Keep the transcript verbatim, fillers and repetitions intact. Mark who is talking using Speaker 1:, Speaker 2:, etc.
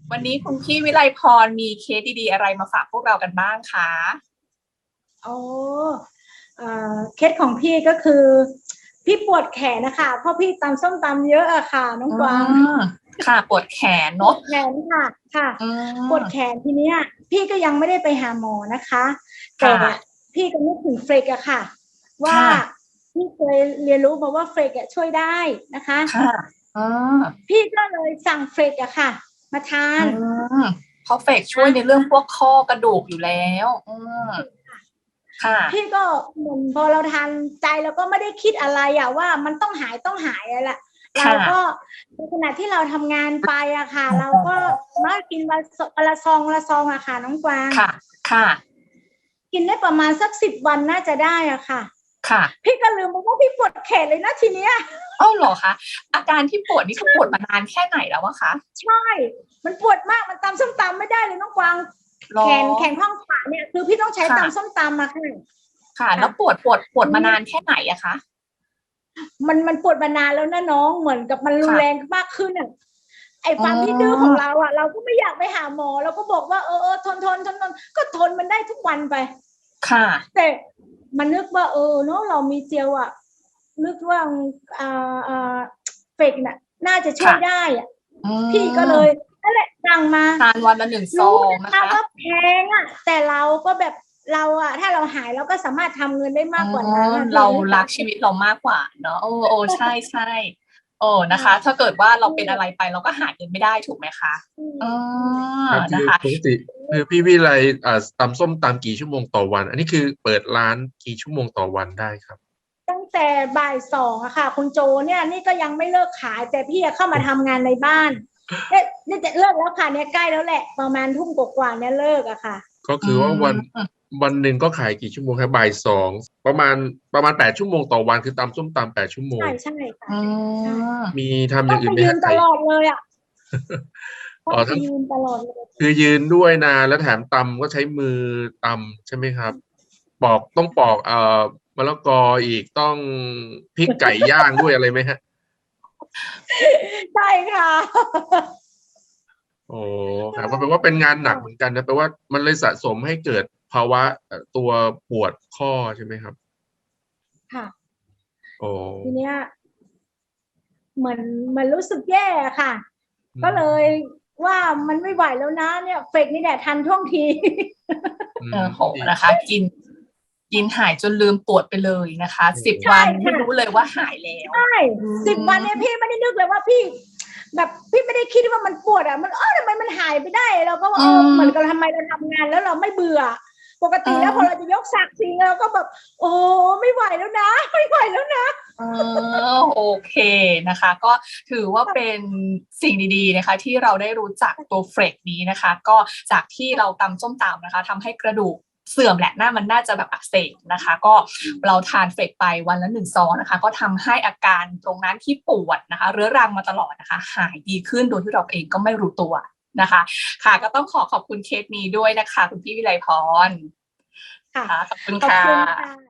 Speaker 1: วันนี้คุณพี่วิไลพรมีเคสดีๆอะไรมาฝากพวกเรากันบ้างคะ
Speaker 2: โอ้เอ่อเคสของพี่ก็คือพี่ปวดแขนนะคะเพราะพี่ตำส้มตำเยอะอะค่ะน้องกวาง
Speaker 1: ค่ะปวดแขน
Speaker 2: ปว
Speaker 1: เนาะ
Speaker 2: ดแขนค่ะค่ะปวดแขนทีเนี้ยพี่ก็ยังไม่ได้ไปหาหมอนะคะแต่พี่ก็นึกถึงเฟรกอะค่ะว่าพี่เคยเรียนรู้มาว่าเฟรกอะช่วยได้นะคะ
Speaker 1: ค่ะ
Speaker 2: พี่ก็เลยสั่งเฟรกอะค่ะมาทาน
Speaker 1: เพราะเฟรกช่วยในเรื่องพวกข้อกระดูกอยู่แล้วค่ะ
Speaker 2: พี่ก็เหมือนพอเราทานใจเราก็ไม่ได้คิดอะไรอะว่ามันต้องหายต้องหายอะไรเราก็ในขณะที่เราทำงานไปอะค่ะเราก็มากินวันละซองละซองอะค่ะน้องกวาง
Speaker 1: ค่ะค่ะ
Speaker 2: กินได้ประมาณสักสิบวันน่าจะได้อะค่ะ
Speaker 1: ค่ะ
Speaker 2: พี่ก็ลืมไปว่าพี่ปวดแขนเลยนะทีเนี้ย
Speaker 1: อ้าวเหรอคะอาการที่ปวดนี่คือปวดมานานแค่ไหนแล้วอะคะ
Speaker 2: ใช่มันปวดมากมันตำส้มตำไม่ได้เลยน้องกวางแขนแขนข้างขวาเนี่ยคือพี่ต้องใช้ตำส้มตำมาค่ะ
Speaker 1: ค่ะแล้วปวดปวดปวดมานานแค่ไหนอะคะ
Speaker 2: มันมันปวดมานานแล้วนะน้องเหมือนกับมันรุนแรงมากขึ้นอ่ะไอ้ความที่ดื้อของเราอ่ะเราก็ไม่อยากไปหาหมอเราก็บอกว่าเออเออทนทนทนทนก็ทนมันได้ทุกวันไป
Speaker 1: ค่ะ
Speaker 2: แต่มันนึกว่าเออเนาะเรามีเจลอ่ะนึกว่าอ่าอ่าเฟกน่ะน่าจะช่วยได้อ่ะพี่ก็เลยนั่นแหละสั่งมา
Speaker 1: ทานวันละหนึ่งซองนะคะ
Speaker 2: ว่าแพงอ่ะแต่เราก็แบบเราอะถ้าเราหายเราก็สามารถทำเงินได้มากกว่านั้น
Speaker 1: เรารักชีวิตเรามากกว่าเนาะโอ้โอ้ใช่ใช่โอ้นะคะถ้าเกิดว่าเราเป็นอะไรไปเราก็หาเงินไม่ได้ถูกไหมคะเออนะคะ
Speaker 3: ปกติคือพี่วิไลอ่าตำส้มตำกี่ชั่วโมงต่อวันอันนี้คือเปิดร้านกี่ชั่วโมงต่อวันได้ครับ
Speaker 2: ตั้งแต่บ่ายสองอะค่ะคุณโจเนี่ยนี่ก็ยังไม่เลิกขายแต่พี่เข้ามาทำงานในบ้านเนี่ยนี่จะเลิกแล้วค่ะเนี่ยใกล้แล้วแหละประมาณทุ่มกว่าเนี่ยเลิกอะค่ะ
Speaker 3: ก็คือว่าวันวันหนึ่งก็ขายกี่ชั่วโมงครับบ่ายสองประมาณประมาณแปดชั่วโมงต่อวันคือตำส้มตำแปดชั่วโมง
Speaker 2: ใช่ใช่ค่ะ
Speaker 3: มีทำอย่างอื่นไหม
Speaker 2: ยื
Speaker 3: ฮะ
Speaker 2: นตลอดเลยอะ
Speaker 3: อ๋อทั้ง
Speaker 2: ยืนตลอดเลย
Speaker 3: คือยืนด้วยนะแล้วแถมตำก็ใช้มือตำใช่ไหมครับปอกต้องปอกเอ่อมะละกออีกต้องพริกไก่ย่างด้วยอะไรไหมฮะ
Speaker 2: ใช่ค่ะ
Speaker 3: โอ้ครับก็แปลว่าเป็นงานหนักเหมือนกันนะแปลว่ามันเลยสะสมให้เกิดภาวะตัวปวดข้อใช่ไหมครับ
Speaker 2: ค่ะ
Speaker 3: โอ้
Speaker 2: ทีเนี้ยเหมือนมันรู้สึกแย่ค่ะก็เลยว่ามันไม่ไหวแล้วนะเนี่ยเฟกนี่แหละทันท่วงที
Speaker 1: เออโหนะคะกินกินหายจนลืมปวดไปเลยนะคะสิบวันไม่รู้เลยว่าหายแล้ว
Speaker 2: ใช่สิบวันเนี่ยพี่ไม่ได้นึกเลยว่าพี่แบบพี่ไม่ได้คิดว่ามันปวดอ่ะมันเออทำไมมันหายไปได้เราก็ว่าเออเหมือนกับทำไมเราทำงานแล้วเราไม่เบื่อปกติแล้วพอเราจะยกสักทิ้งเราก็แบบโอ้ไม่ไหวแล้วนะไม่ไหวแล้วนะ
Speaker 1: เออโอเคนะคะก็ถือว่าเป็นสิ่งดีๆนะคะที่เราได้รู้จักตัวเฟรกนี้นะคะก็จากที่เราตำส้มตำนะคะทำให้กระดูกเสื่อมแหละหน้ามันน่าจะแบบอักเสบนะคะก็เราทานเฟรกไปวันละหนึ่งซองนะคะก็ทำให้อาการตรงนั้นที่ปวดนะคะเรื้อรังมาตลอดนะคะหายดีขึ้นโดยที่เราเองก็ไม่รู้ตัวนะคะค่ะก็ต้องขอขอบคุณเคสนี้ด้วยนะคะคุณพี่วิไลพร
Speaker 2: ค่ะ
Speaker 1: ขอบคุณค่ะ